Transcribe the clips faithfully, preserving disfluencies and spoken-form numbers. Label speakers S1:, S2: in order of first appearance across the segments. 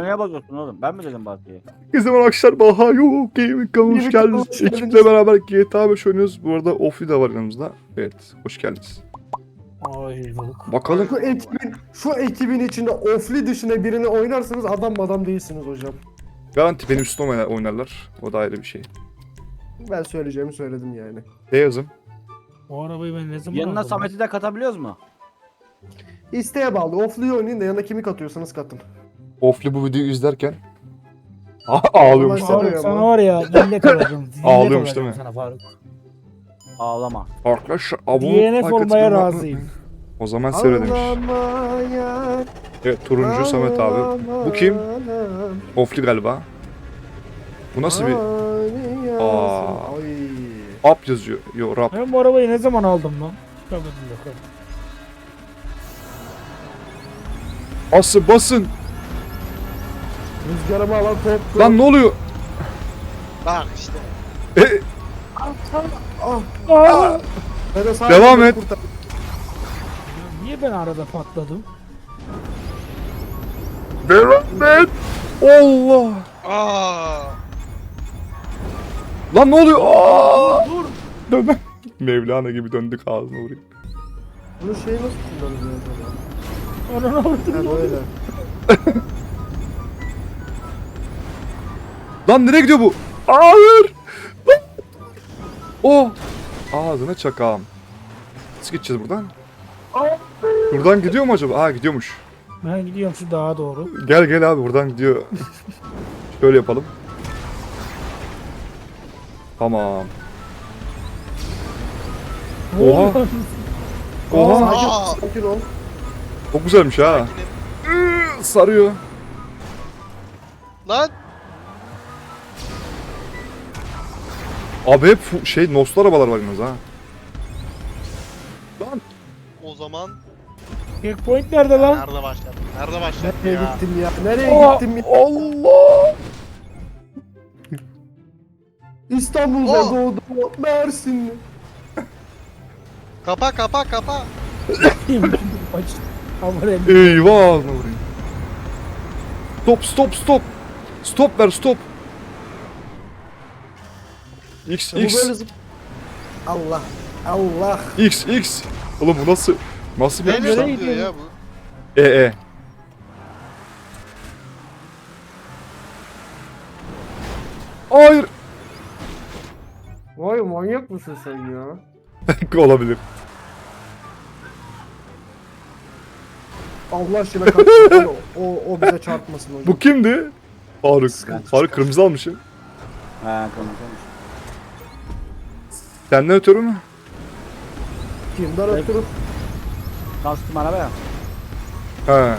S1: Neye bakıyorsun oğlum? Ben mi dedim Batı'ya?
S2: Ne zaman arkadaşlar Baha yok Gaming kanalına hoş geldiniz. Ekiple beraber G T A beş oynuyoruz. Bu arada Ofli de var yanımızda. Evet, hoş geldiniz.
S3: Ay yok.
S2: Bakalım.
S4: Şu ekibin, şu ekibin içinde Ofli dışında birini oynarsanız adam adam değilsiniz hocam.
S2: Garanti benim üstüne oynar- oynarlar. O da ayrı bir şey.
S4: Ben söyleyeceğimi söyledim yani.
S2: Ne yazım?
S3: O arabayı ben ne zaman
S1: Yanına
S3: aldım?
S1: Samet'i de katabiliyoruz mu?
S4: İsteğe bağlı. Ofli'yi oynayın da yanına kimi katıyorsanız katın.
S2: Ofli bu videoyu izlerken ağlıyormuş
S4: Vallahi
S2: sana.
S4: sarıyor.
S3: Faruk sana var ya dille kalacağım. dille
S2: Ağlıyormuş
S3: kalacağım
S2: değil mi?
S3: Sana Faruk.
S1: Ağlama.
S2: Arkadaşlar abone
S3: D N F
S2: like
S3: olmaya
S2: atmayı
S3: razıyım.
S2: unutmayın. O zaman söylemiş.
S4: Ağlamaya,
S2: Evet, turuncu Samet abi. Bu kim? Ofli galiba. Bu nasıl bir
S4: bir...
S2: Aa.
S4: Ay.
S2: up yazıyor? Yo, rap.
S3: Ben bu arabayı ne zaman aldım lan? Tabii bakalım.
S2: Basın basın.
S4: Rüzgarımı alan top.
S2: Lan ne oluyor?
S5: Bak işte.
S2: E,
S4: Ah.
S3: Aa!
S4: Ben de sadece
S2: Devam
S4: bunu
S2: et.
S4: kurtardım.
S3: Niye ben arada patladım?
S2: devam et. Allah.
S5: Aa.
S2: Lan ne oluyor? Aa! Dur. Dönme. Mevlana gibi döndük ağzına vurayım.
S4: Bunu şey nasıl kullanılıyor acaba?
S3: Ananı avradım.
S4: Ha böyle.
S2: Lan nereye gidiyor bu? Hayır. Lan. Oh. Ağzına çakağım. Nasıl gideceğiz buradan? Buradan gidiyor mu acaba? Aa, gidiyormuş.
S3: Ben gidiyorum şu dağa doğru.
S2: Gel gel abi, buradan gidiyor. Şöyle yapalım. Tamam.
S3: Ne
S2: Oha.
S3: oluyor?
S2: Oha.
S5: Aa.
S4: Sakin, sakin ol.
S2: Çok güzelmiş ha. Iıı, sarıyor.
S5: Lan.
S2: Abi hep fu- şey noslu arabalar var yalnız ha. Lan.
S5: O zaman
S3: Checkpoint nerede lan?
S5: nerede başladı? Nerede başladı
S4: Nereye
S5: ya?
S4: gittim ya? Nereye
S2: Aa,
S4: gittim ya?
S2: Allah.
S4: İstanbul'da
S5: Oh.
S4: doğdum. Mersinli.
S5: Kapa kapa kapa.
S3: Aç. Aman
S2: Eyvah, ağzına vurayım. Stop stop stop. Stop ver stop. X
S4: Bu
S2: X
S4: böyle zıp... Allah. Allah.
S2: X X. Oğlum bu nasıl nasıl bir
S5: Neyle
S2: yapmış lan?
S3: nereye
S5: sallıyor ya bu?
S2: E E. Hayır.
S4: Vay manyak mısın sen ya?
S2: Olabilir.
S4: Allah aşkına kalksın. o, o, o bize çarpmasın hocam.
S2: Bu kimdi? Faruk.
S4: Sıkıntı
S2: Faruk kırmızı almışım.
S1: He konuşalım.
S2: Senden ötürü mü?
S4: Kimden ötürü?
S1: Kastım arabaya.
S2: He.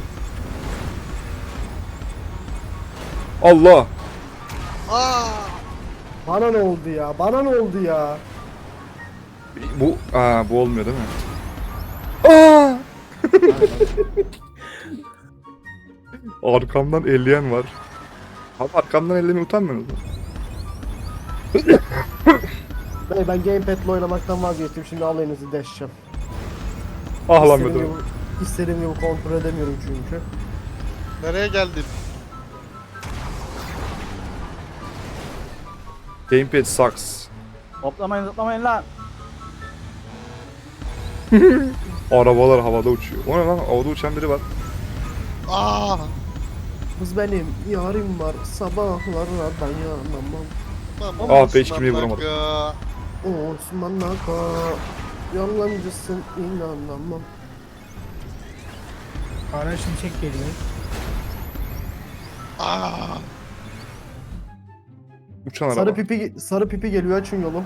S2: Allah.
S5: Aa.
S4: Bana ne oldu ya? Bana ne oldu ya?
S2: Bu aa, bu olmuyor değil mi? Aa! Arkamdan elleyen var. Abi arkamdan ellemeye utanmıyorsunuz mu?
S4: Ben, ben gamepad'le oynamaktan vazgeçtim. Şimdi alayınızı deşeceğim.
S2: Ah lan
S4: İstediğim
S2: be.
S4: gibi, istediğim gibi kontrol edemiyorum çünkü.
S5: Nereye geldin?
S2: Gamepad sucks.
S1: Hoplamayın zıplamayın lan.
S2: Arabalar havada uçuyor. O ne lan? Havada uçan biri var.
S5: Aa.
S4: Kız benim yarim var. Sabahlara dayanamam.
S5: Tamam.
S2: Ah be, hiç kimseyi vuramadım.
S5: Aga.
S4: Osman Naka. Yalancısın inanamam.
S3: Ara şimşek geliyor.
S5: Aa.
S2: Uçan araba.
S4: Sarı pipi sarı pipi geliyor, açın yolu.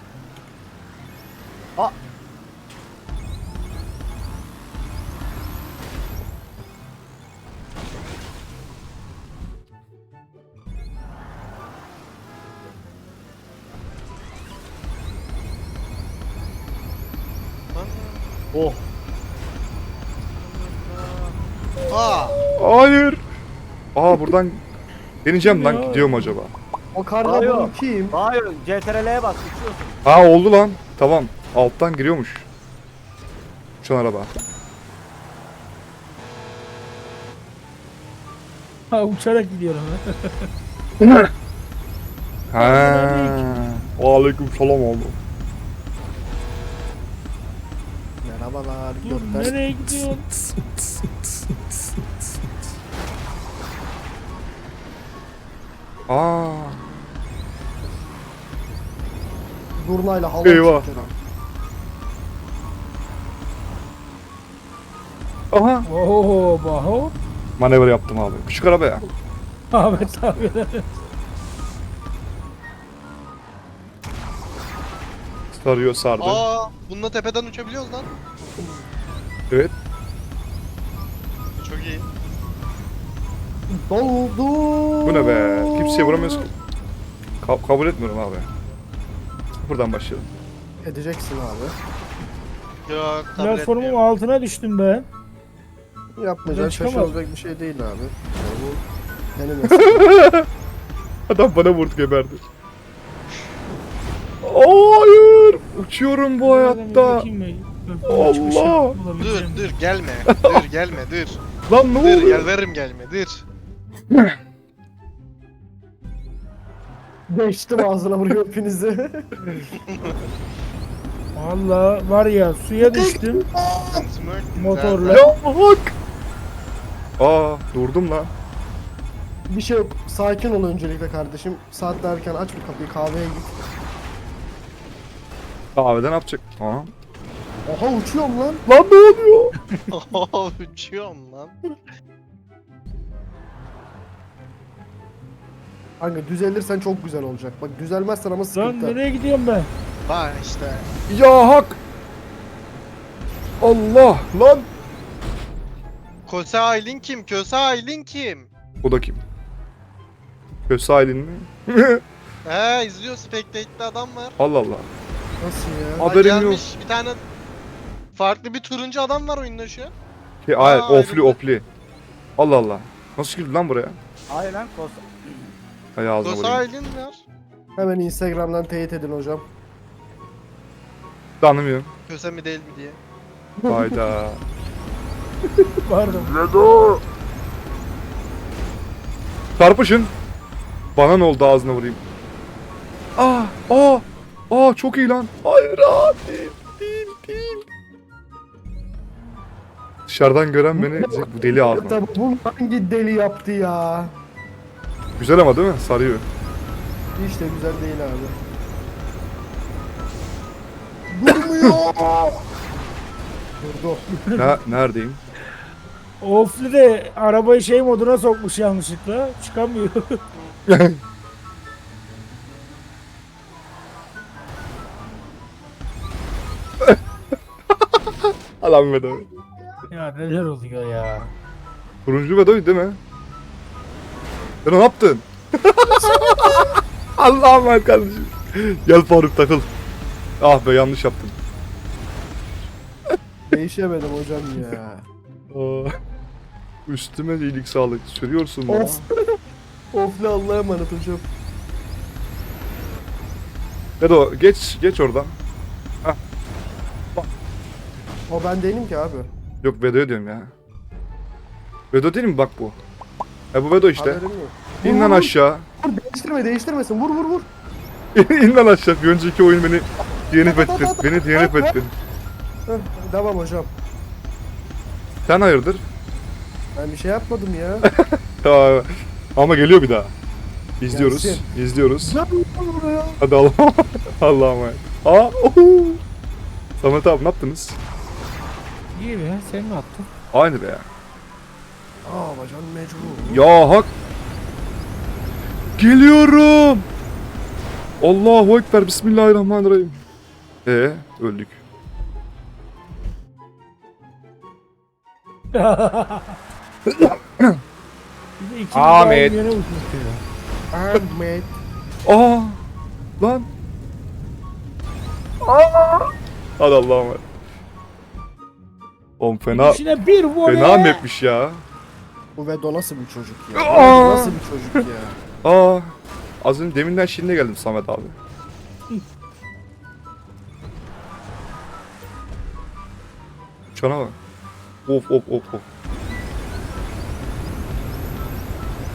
S1: Oh.
S5: Aa.
S2: Hayır. Aa, buradan deneyeceğim lan,
S3: Ya.
S2: gidiyor mu acaba?
S4: O karla
S1: Hayır.
S4: bunu kim?
S1: Hayır. C T R L'ye bas. Uçuyorsun.
S2: Ha, oldu lan. Tamam. Alttan giriyormuş. Uçan araba.
S3: Ha, uçarak gidiyorum.
S2: Ha. Aleyküm selam oğlum.
S4: Merhabalar.
S3: Dur,
S4: Gökten.
S3: nereye gidiyorsun?
S2: Aa.
S4: Zurnayla hava
S2: Eyvah.
S4: çekiyor.
S2: Aha.
S3: Oo baho.
S2: Manevra yaptım abi. Küçük araba ya.
S3: Ahmet abi.
S2: Sarıyor sardı.
S5: Aa, bununla tepeden uçabiliyoruz lan.
S2: Evet.
S5: Çok iyi.
S4: Doldu.
S2: Bu ne be? Kimseye vuramıyoruz ki. Ka- kabul etmiyorum abi. Buradan başlayalım.
S4: Edeceksin abi.
S5: Yok, kabul
S3: Platformun
S5: etmiyorum.
S3: altına düştüm ben.
S4: Yapmayacağın
S3: Ben çıkamam.
S4: şaşırılacak bir şey değil abi. Yani bu benim mesele.
S2: Adam bana vurdu geberdi. Hayır. Uçuyorum bu
S3: Nereden bir
S2: hayatta.
S3: bakayım ben. Böyle çıkışı
S2: Allah.
S5: Dur
S3: bulabileceğim.
S5: dur gelme. Dur gelme dur.
S2: Lan ne
S5: Dur
S2: oluyor?
S5: yalvarırım gelme dur.
S4: Geçtim ağzına vuruyor hepinizi.
S3: Valla var ya suya düştüm motorla.
S2: Ya bak. Aa durdum lan.
S4: Bir şey yok. Sakin ol öncelikle kardeşim. Saat derken aç bir kapıyı, kahveye git.
S2: Kahveden ne yapacak? Aha.
S4: Oha uçuyorum lan.
S2: Lan ne oluyor?
S5: Uçuyorum lan.
S4: Kanka düzelirsen çok güzel olacak. Bak düzelmezsen ama
S3: Lan
S4: sıkıntı.
S3: nereye gidiyorum ben?
S5: Bak işte.
S2: Ya hak. Allah lan.
S5: Köse Aylin kim? Köse Aylin kim?
S2: O da kim? Köse Aylin mi?
S5: He izliyor Spectate'de adam var.
S2: Allah Allah.
S4: Nasıl ya?
S5: Bak,
S2: Haberim yok.
S5: gelmiş bir tane farklı bir turuncu adam var oyunda şu an.
S2: Şey, hayır,
S5: Aa,
S2: ofli
S5: ayrıldı.
S2: ofli. Allah Allah. Nasıl girdi lan buraya?
S1: Aynen kos.
S2: Hay ağzına
S5: Köse
S2: vurayım.
S5: Aylin var.
S4: Hemen Instagram'dan teyit edin hocam.
S2: Tanımıyorum.
S5: Köse mi değil mi diye.
S2: Hayda.
S3: Pardon.
S2: Vedo. Çarpışın. Bana ne oldu ağzına vurayım. Aa, aa, aa çok iyi lan. Hayır, aa, değil, değil, değil. Dışarıdan gören beni diyecek, bu deli ağzına.
S4: Tabii bunu hangi deli yaptı ya?
S2: Güzel ama değil mi? Sarıyor.
S4: Hiç de güzel değil abi. Durmuyor. Durdu.
S2: Ne, neredeyim?
S3: Ofli de arabayı şey moduna sokmuş yanlışlıkla. Çıkamıyor.
S2: Alan Vedo.
S3: Ya neler oluyor ya.
S2: Turuncu Vedo'ydu değil mi? Sen ne yaptın? Allah'ım emanet kardeşim. Gel Faruk takıl. Ah be yanlış yaptım.
S4: Değişemedim hocam ya.
S2: Aa, üstüme iyilik sağlık sürüyorsun bana.
S4: Of. Ofli Allah'a emanet hocam.
S2: Vedo geç geç oradan.
S4: O ben değilim ki abi.
S2: Yok Vedo'ya diyorum ya. Vedo değil mi bak bu? E bu Vedo işte.
S4: Haberim yok.
S2: İn lan
S4: Vur, vur,
S2: aşağı.
S4: Vur, değiştirme değiştirmesin. Vur vur vur.
S2: İn lan aşağı. Bir önceki oyun beni D N F ettin. Beni D N F ettin.
S4: Heh, devam hocam.
S2: Sen hayırdır?
S4: Ben bir şey yapmadım ya.
S2: Ya, ama geliyor bir daha. İzliyoruz.
S4: Gelsin.
S2: İzliyoruz.
S4: Lan vur buraya.
S2: Hadi Allah'ım. Allah'ım. Aa, ohu. Samet abi ne yaptınız?
S3: İyi be sen mi attın?
S2: Aynı be ya.
S4: Aa bacan mecbur.
S2: Ya hak. Geliyorum. Allahu Ekber. Bismillahirrahmanirrahim. Ee, öldük.
S3: Bir de ikimiz
S2: Ahmet.
S3: aynı yere uçmuş ya.
S4: Ahmet.
S2: Aa, lan. Aa. Hadi Allah'ım. emanet. Oğlum fena
S3: İçine bir voley.
S2: fena mapmiş ya.
S4: Bu Vedo nasıl bir çocuk ya?
S2: Aa!
S4: Bu nasıl bir çocuk ya?
S2: Aa. Az önce deminden şimdi geldim Samet abi. Uçana bak. Of of of of.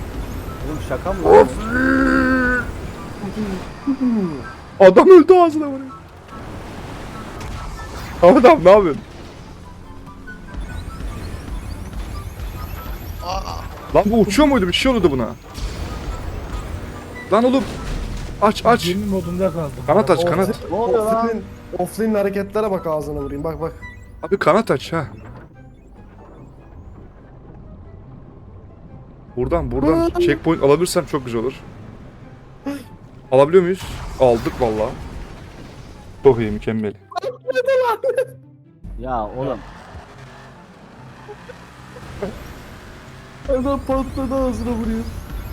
S1: Oğlum şaka mı lan?
S2: Adam öldü ağzına vuruyor. Adam ne yapıyorsun?
S5: Aa,
S2: Lan bu uçuyor muydu? Bir şey oluyordu buna. Lan oğlum. Aç aç.
S3: Gemi modunda kaldım.
S2: Kanat aç kanat.
S1: Ne oluyor lan?
S4: Offline, offline hareketlere bak ağzına vurayım. Bak bak.
S2: Abi kanat aç ha. Buradan buradan checkpoint alabilirsem çok güzel olur. Alabiliyor muyuz? Aldık valla. Çok iyi mükemmel.
S1: Ya oğlum.
S4: Adam patladı ağzına vuruyor.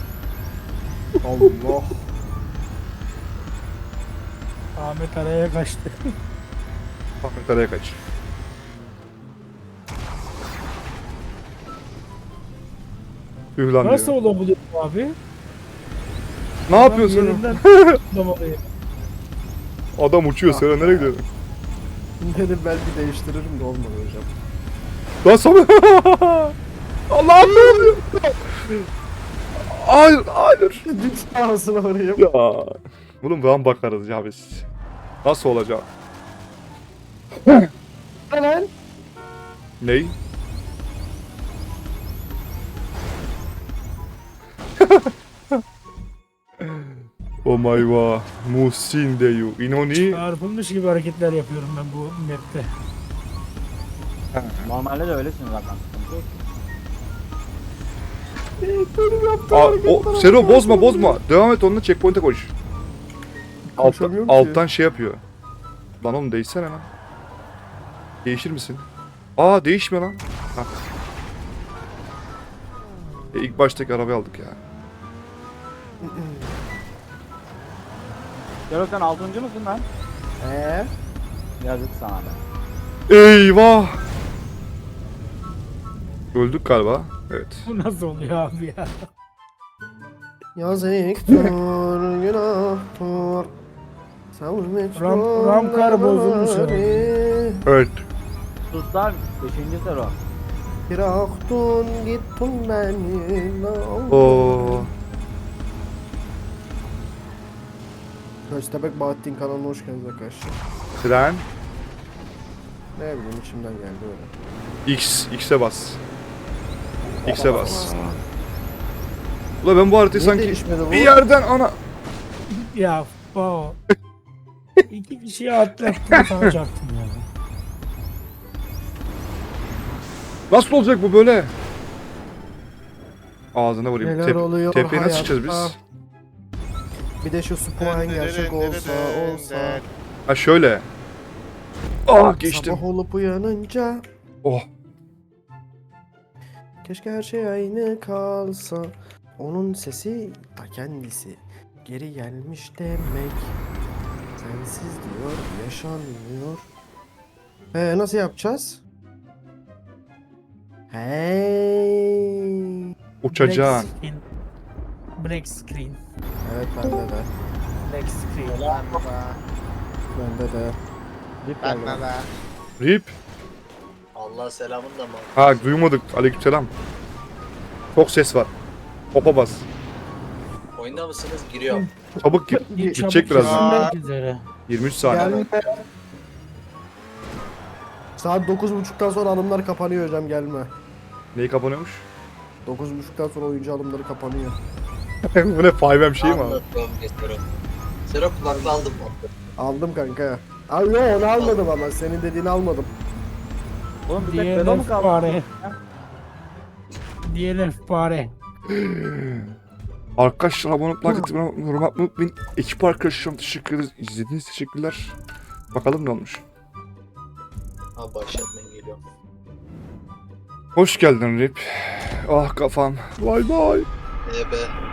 S4: Allah.
S3: Ahmet araya kaçtı.
S2: Ahmet araya kaç. Tüh lan
S3: Nasıl
S2: diyor.
S3: olabilir bu abi?
S2: Ne yapıyorsun?
S3: Yerinden atlamalıyım.
S2: Adam uçuyor. Sen nereye gidiyorsun?
S4: Dedim belki değiştiririm de olmadı hocam.
S2: Lan sana. Allah'ım ne oluyor? Hayır hayır.
S4: Düz ağzına vurayım.
S2: Ya. Oğlum buradan bakarız ya biz. Nasıl olacak?
S4: Lan.
S2: Ney? Oh my god. Muhsin deyu. Inoni.
S3: Çarpılmış gibi hareketler yapıyorum ben bu map'te.
S1: Normalde de öylesin zaten. Sıkıntı yok.
S4: Benim yaptığım
S2: Aa,
S4: hareketlere
S2: o,
S4: bak.
S2: Sero bozma bozma. Devam et onunla checkpoint'e koş. Alt,
S4: Koşamıyorum ki.
S2: alttan şey yapıyor. Lan oğlum değişsene lan. Değişir misin? Aa değişmiyor lan. Ha. E, ilk baştaki arabayı aldık ya.
S1: Yarok sen altıncı mısın lan?
S4: Eee?
S1: Yazık sana be.
S2: Eyvah! Öldük galiba. Evet.
S3: Bu nasıl oluyor abi ya?
S4: Yazıktır, günahtır. Savurmek
S3: Ram- Ramkar bozulmuş ya.
S2: Evet.
S1: Sus lan. Beşinci sero.
S4: Bıraktın gittin beni.
S2: Oo.
S4: Köstebek Bahattin kanalına hoş geldiniz arkadaşlar.
S2: Tren.
S4: Ne bileyim içimden geldi öyle.
S2: X. X'e bas. X'e bas. Ulan ben bu haritayı
S4: Niye
S2: sanki
S4: değişmedi bu?
S2: bir yerden ana...
S3: Ya o. İki kişiyi atlattım sana çarptım ya.
S2: Nasıl olacak bu böyle? Ağzına vurayım.
S4: Neler
S2: Tep
S4: oluyor
S2: tepeye nasıl
S4: hayatta?
S2: çıkacağız biz?
S4: Bir de şu spawn gerçek olsa olsa.
S2: Ha şöyle. Ah geçtim.
S4: Sabah olup uyanınca
S2: Oh.
S4: keşke her şey aynı kalsa. Onun sesi ta kendisi geri gelmiş demek. Sensiz diyor yaşanmıyor. Ee nasıl yapacağız? Hey.
S2: Uçacaksın.
S3: Black screen. Black screen.
S4: Evet bende de.
S3: Black screen.
S4: Bende de.
S1: Dip geldi.
S6: Ben be.
S2: Rip.
S6: Allah selamın da mı?
S2: Ha duymadık. Aleykümselam. Çok ses var. Hopa bas.
S6: Oyunda mısınız? Giriyorum.
S2: Çabuk gir.
S3: Bir
S2: Gidecek
S3: çabuk
S2: birazdan.
S3: kesilmek üzere.
S2: yirmi üç saniye.
S4: Gelme. Saat dokuz buçuktan sonra alımlar kapanıyor hocam gelme.
S2: Neyi kapanıyormuş?
S4: dokuz buçuktan sonra oyuncu alımları kapanıyor.
S2: Bu ne five M şey mi abi?
S6: Anlatıyorum Sero. Sero kulaklığı aldım mı?
S4: Aldım kanka. Abi yok onu almadım ama senin dediğini almadım.
S1: Oğlum bir tek pedo mu
S3: D N F
S1: kaldı?
S3: fare. D N F fare.
S2: Arkadaşlar abone olmayı, like atmayı, yorum yapmayı unutmayın. Ekip arkadaşlarım teşekkür ederiz. İzlediğiniz için teşekkürler. Bakalım ne olmuş.
S6: Abi başlatmayın geliyorum.
S2: Hoş geldin Rip. Ah kafam. Vay vay.
S6: E be.